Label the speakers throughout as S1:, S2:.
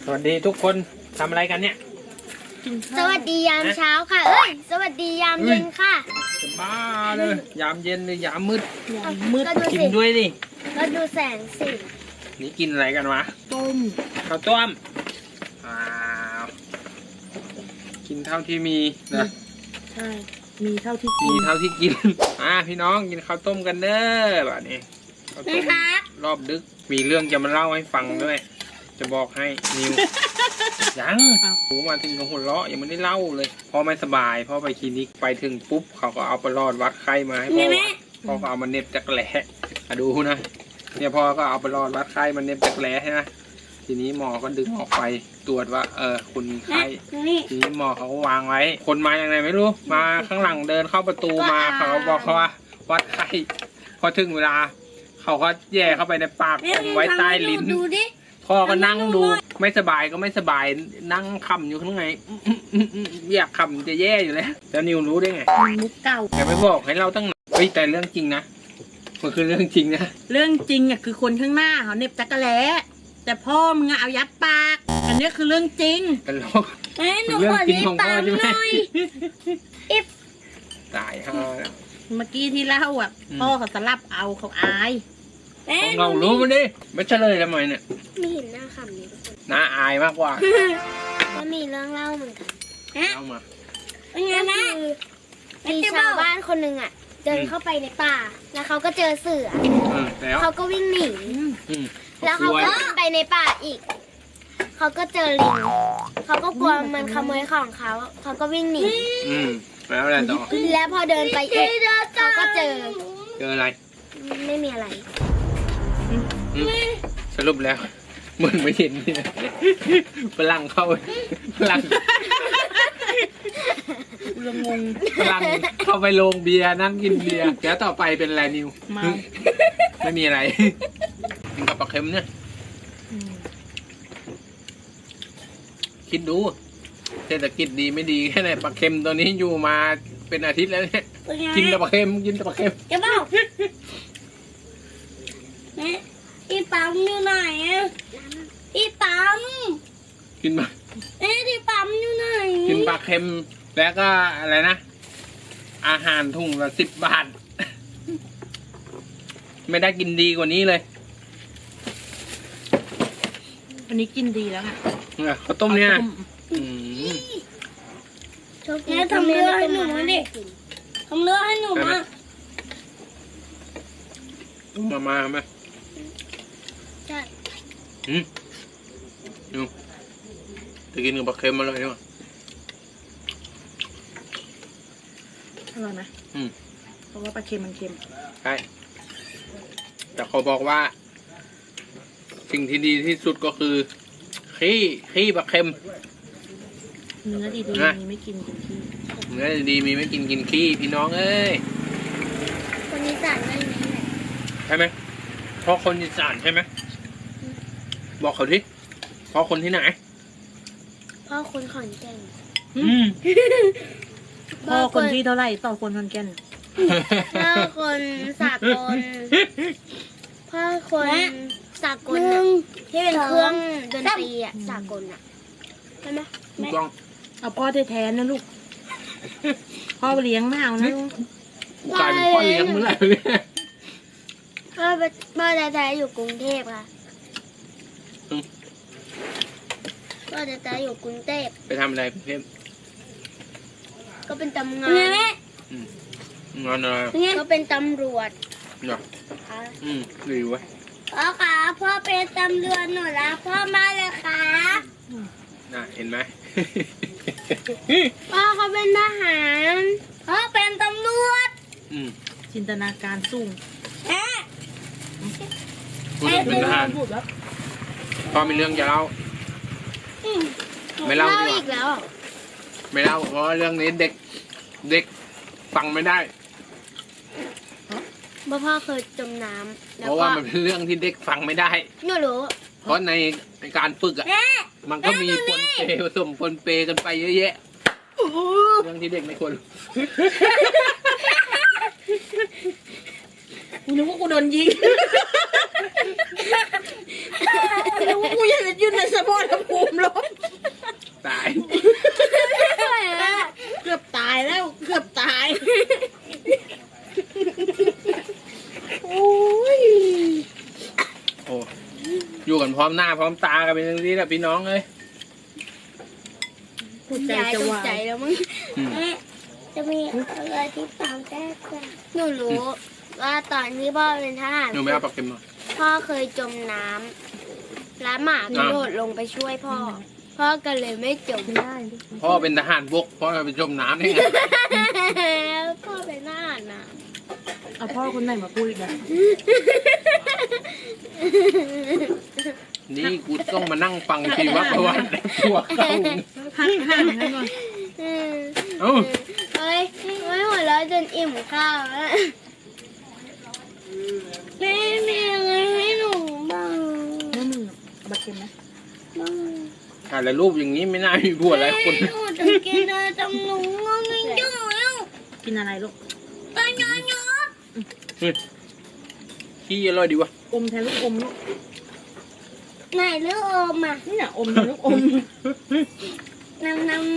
S1: วัสดีทุกคนทำอะไรกันเนี่ย
S2: สวัสดียามเช้าค่ะเอ้ยสวัสดียามเย็นค่ะ
S1: จะบ้าเลยยามเย็นเลยยามมืดกิน
S2: สิ
S1: ด้วยดิ
S2: ก็ดูแสงสิ
S1: นี่กินอะไรกันวะ
S3: ต้ม
S1: ข้าวต้มอ้าวกินเท่าที่มีนะ
S3: ใช่มีเท่าที่กิ
S1: มี
S3: น
S1: เท่าที่กินพี่น้องกินข้าวต้มกันเด้อแบบนี้ข้าวต้มรอบดึกมีเรื่องจะมาเล่าให้ฟังด้วยจะบอกให้นิว ยังหูมาถึงกับหัวเราะยังไม่ได้เล่าเลยพ่อไม่สบายพ่อไปคลินิกไปถึงปุ๊บเขาก็เอาประหลอดวัดไข้มาให้พ่อวัดพ่อก็เอามาเน็บจักแหล่ดูนะเนี่ยพ่อก็เอาประหลอดวัดไข้มาเน็บจักแหล่ใช่ไหมทีนี้หมอก็ดึงออกไปตรวจว่าคุณมีไข้ทีนี้หมอเขาก็วางไว้คนมาอย่างไรไม่รู้มาข้างหลังเดินเข้าประตูมาเขาบอกเขาว่าวัดไข้พอถึงเวลาเขาก็แย่เข้าไปในปากอมไว้ใต้ลิ้นพ่อก็นั่งดูไม่สบายก็ไม่สบายนั่งคำอยู่ข้างในอยากคำจะแย่อยู่แล้วแล้วนิวรู้ได้ไง
S3: มุกเก่า
S1: แกไม่บอกให้เราตั้งนานเฮ้ยแต่เรื่องจริงนะมันคือเรื่องจริงนะ
S3: เรื่องจริงอ่ะคือคนข้างหน้าเขาเน็บจักรแล้แต่พ่อมึงเอายัดปากอันนี้คือเรื่องจริง
S1: ตลกเป็นเรื่องจริงของพ่อใช่ไหมตายฮะ
S3: เมื่อกี้ที่เล่าอ่ะพ่อเขาสลับเอาเขาอาย
S1: ของเรารู้มันดิไม่เฉลยทำไมเนี่ย
S2: ไม่เห็นหน้าคำนี้
S1: น่าอายมากกว่า
S2: ก็มีเรื่องเล่าเหมือนกัน
S1: เล่ามา
S2: เป็นไงนะมีชาวบ้านคนหนึ่งอ่ะเดินเข้าไปในป่าแล้วเขาก็เจอเสือเขาก็วิ่งหนีแล้วเขาก็ไปในป่าอีกเขาก็เจอลิงเขาก็กลัวมันขโมยของเขาก็วิ่งหนี
S1: แล้วอะไรต่อ
S2: แล้วพอเดินไปอีกเขาก็เจอ
S1: อะไร
S2: ไม่มีอะไร
S1: สรุปแล้วเหมือนไม่เห็นเนี่ยฝรั่งเข้าฝรั่ง
S3: งง
S1: ฝรั่งเข้าไปโรงเบียร์นั่งกินเบียร์แล้วต่อไปเป็นอะไรนิวไม่มีอะไรกินกับปลาเค็มเนี่ยคิดดูเศรษฐกิจดีไม่ดีแค่ไหนปลาเค็มตัวนี้อยู่มาเป็นอาทิตย์แล้วเนี่ยกินแต่ปลาเค็มกินแต่ปลาเค็ม
S2: จะเปล่าพี่ปั๊มอยู่ไหนพี่ปั๊ม
S1: กินมา
S2: พี่ปั๊มอยู่ไหน
S1: กินปลาเค็มแล้วก็อะไรนะอาหารถุงละ10 บาทไม่ได้กินดีกว่านี้เลย
S3: วันนี้กินดีแล้วค่ะ
S1: ข้าวต้มเนี่ย
S2: ทำเลือดให้หนูมาดิทำเลือดให้หนู
S1: มาไหม
S2: ใช่
S1: ดูจะกินกับปลาเค็มมาเลยดีกว่า
S3: อร่อยไหมเพราะว่าปลาเค็มมันเค็ม
S1: ใช่แต่เขาบอกว่าสิ่งที่ดีที่สุดก็คือขี้ปลาเค็ม
S3: เนื้อดีๆมีไม่กินขี้
S1: เนื้อดีมีไม่กินขี้พี่น้องเอ้ย
S2: คนอีสานไม่มีแหละ
S1: ใช่ไหมเพราะคนอีสานใช่ไหมบอกเขาดิเพราะคนที่ไหน
S2: พ่อคนขอนแก่น
S3: พ่อคนที่เท่าไหร่ต่อคนขอนแก่น
S2: พ่อคนสากลพ่อคนสากลที่เป็นเครื่องดนตรีอ่ะสากลอ่ะใช่ไหม
S1: ถูกต้อง
S3: เอาพ่อแท้ๆนะลูกพ่อเลี้ยงไม่เอานะ
S1: กลายเป็นพ่อเลี้ยงเมื่อไหร่เนี่ย
S2: พ่อแท้ๆอยู่กรุงเทพค่ะพ่อแท้ๆอยู่กรุงเทพ
S1: ไปทำอะไรกรุงเทพ
S2: ก็เป็นตำงาน
S1: งานอะไร
S2: ก็เป็นตำรวจ
S1: เหรอดีเว้ย
S2: พ่อคะพ่อเป็นตำรวจหนูรักพ่อมากเลยค่ะ
S1: น่ะเห็นไหม
S2: พ่อเขาเป็นทหารพ่อเป็นตำรวจ
S3: จินตนาการสูง
S1: พูดเป็นทหารพ่อมีเรื่องจะเล่าไม่เล่า
S2: อีกแล้ว
S1: ไม่เล่าเพราะเรื่องนี้เด็กฟังไม่ได้
S2: พ่อเคยจมน้ำ
S1: เพราะว่ามันเป็นเรื่องที่เด็กฟังไม่ได้
S2: หนูรู้
S1: เพราะในการฝึกอ่ะมันก็มีปนเปผสมปนเปกันไปเยอะแยะเรื่องที่เด็กไม่ควร
S3: กูนึกว่ากูโดนยิงนึกว่ากูยังยืนในสมรภูมิลม
S1: ตาย
S3: เกือบตายแล้วเกือบตายโอ้ย
S1: โอ้อยู่กันพร้อมหน้าพร้อมตากันเป็นอย่างนี้แหละพี่น้องเลย
S3: หัวใจ
S2: ยาย
S3: จะ
S2: ตก
S3: วาย
S2: ใจแล้วมั้ง
S1: อืม
S2: จะมีอะไรที่ตามแก้กันหนูรู้ว่าตอนที่พ่อเป็นทหาร
S1: หนูไม่เอาปลาเค็มมา
S2: พ่อเคยจมน้ำแล้วหมากระโดดลงไปช่วยพ่อ พ่อก็เลยไม่จม
S3: ได้
S1: พ่อเป็นทหารบกพ่อไปจมน้ำได้ไง
S2: พ่อเป็นทหารนะ
S3: เอาพ่อคนไหนมาพูดอีกแล้ว
S1: นี่กูต้องมานั่งฟังชีวประวัติในตัวเขา
S3: หักห่างกันก่อน
S1: เอ้า
S2: เฮ้ยไม่หัวเราะจนอิ่มข้าวแล้วแม่มีอะไรให้หนูบ้าง
S3: แล้วมึงเอาบัตรเค็มไหม
S2: บ้าง
S1: ถ่ายแล้วรูปอย่างนี้ไม่น่ามีผัวหลายคน
S2: หนูจะกินอะไรจังหนูงงไม่จุ๋ย
S3: กินอะไรลูก
S2: ตอนย้อน
S1: ขี้อร่อยดีวะ
S3: อมแทนลูกอมลูก
S2: ไหนเลือกอมอ่ะ
S3: นี่น่ะอมแทนลูกอม
S2: น้ำ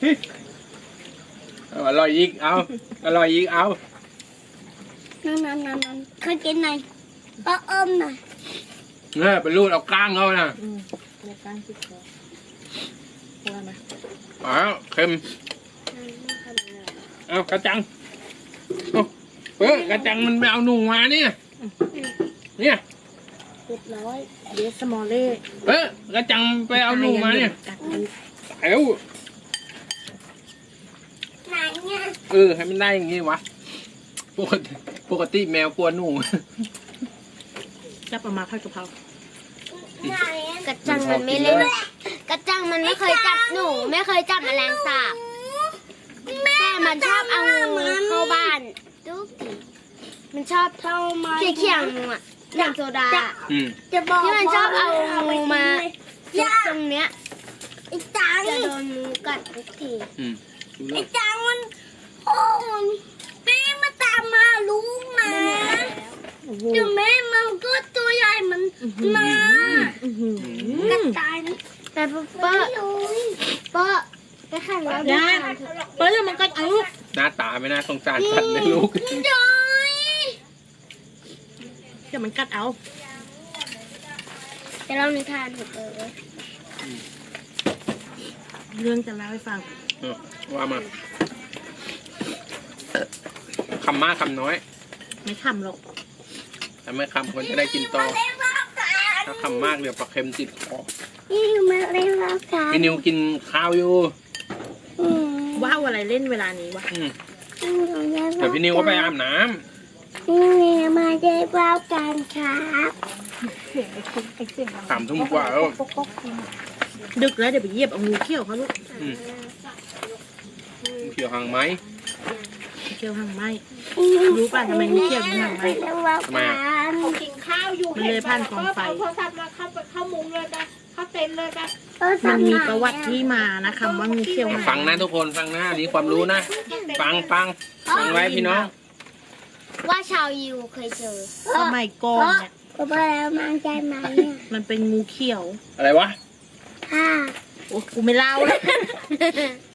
S1: เอาอร่อยอีกเอาอร่อยอีกเอา
S2: เคยกินไหนก็อมหน่อย
S1: เนี่ยไปรูดเอาก้างเขานะ
S3: เรียกการติดคอพอไหม
S1: อ้าวเค็มเอากระจังเอากระจังมันไปเอาหนูมาเนี่ยเนี่ย
S3: เรียบร้อยเดสมอลเล่
S1: กระจังไปเอาหนูมาเนี่ย
S3: กัดดู
S1: เอ้า
S2: ไหนเนี่ย
S1: ให้มันได้อย่างงี้วะปกติแมวกลัวหนู
S3: จับออกมาผัดกะเพรา
S2: ไหนกระจังมันไม่เล่นกระจังมันไม่เคยจับหนูไม่เคยจับแมลงสาบแต่มันชอบเอางูเข้าบ้านทุกทีมันชอบเขี่ยๆงูอ่ะอย่างโซดา
S1: อืม
S2: จะบอกที่มันชอบเอางูมาจุกตรงเนี้ยไอ้จังจะโดนงูกัดทุกที
S1: อืม
S2: ไอ้จังมันโอ้มันแม่มาตามมาลูกมา
S3: โอ้โห
S2: เดี๋ยวแม่มันก็ตัวใหญ่มันมากัดตายนะแต่เป้อไปขันแล้ว
S3: ยาเปิ้ลมันกัดเอา
S1: หน้าตาไม่น่าสงสารสัตว์เลยลูก
S2: จอย
S3: เดี๋ยวมันกัดเอา
S2: จะเล่านิทานถูกเลย
S3: เรื่องจะเล่าให้ฟัง
S1: ว่ามาคำมากคำน้อย
S3: ไม่ทำหรอก
S1: ถ้าไม่คำคนจะได้กินต่อถ้าคำมากเดี๋ยวปลาเค็มติดคอ
S2: นี่มาเล่นแล้วกัน
S1: พี่นิวกินข้าวอยู่
S3: ว้าวอะไรเล่นเวลานี้วะ
S1: เดี๋ยวพี่นิวก็ไปอาบน้
S2: นี่มาเล่นแล้วกันครับ
S1: ำ3 ทุ่มกว่าแล้ว
S3: ดึกแล้วเดี๋ยวไปเหยียบเอางูเขี้ยวเขาลูก
S1: เขียวหางไหม
S3: เขี้ยวหางไหมรู้ป่ะทำไมงูเขี้ยวถึงหางไหม
S1: ทำไมอ่ะ
S4: เขากินข้าวอยู่
S3: มันเลยผ่านกองไฟ
S4: เอาโทรศัพท์มาเข้ามุ้งเลยจ้ะเข้าเต็นท์เลยจ้ะ
S3: มันมีประวัติที่มานะคำว่างูเขี้ยวหาง
S1: ฟังนะทุกคนฟังนะอันนี้ความรู้นะ ฟังไว้พี่น้อง
S2: ว่าชาวยิวเคยเจอ
S3: สมัยก่อนเนี่ย
S2: ก็ไปแล้วมันใจไหมเนี่ย
S3: มันเป็นงูเขี้ยว
S1: อะไรวะ
S2: ค่ะ
S3: โอ้กูไม่เล่าแล้ว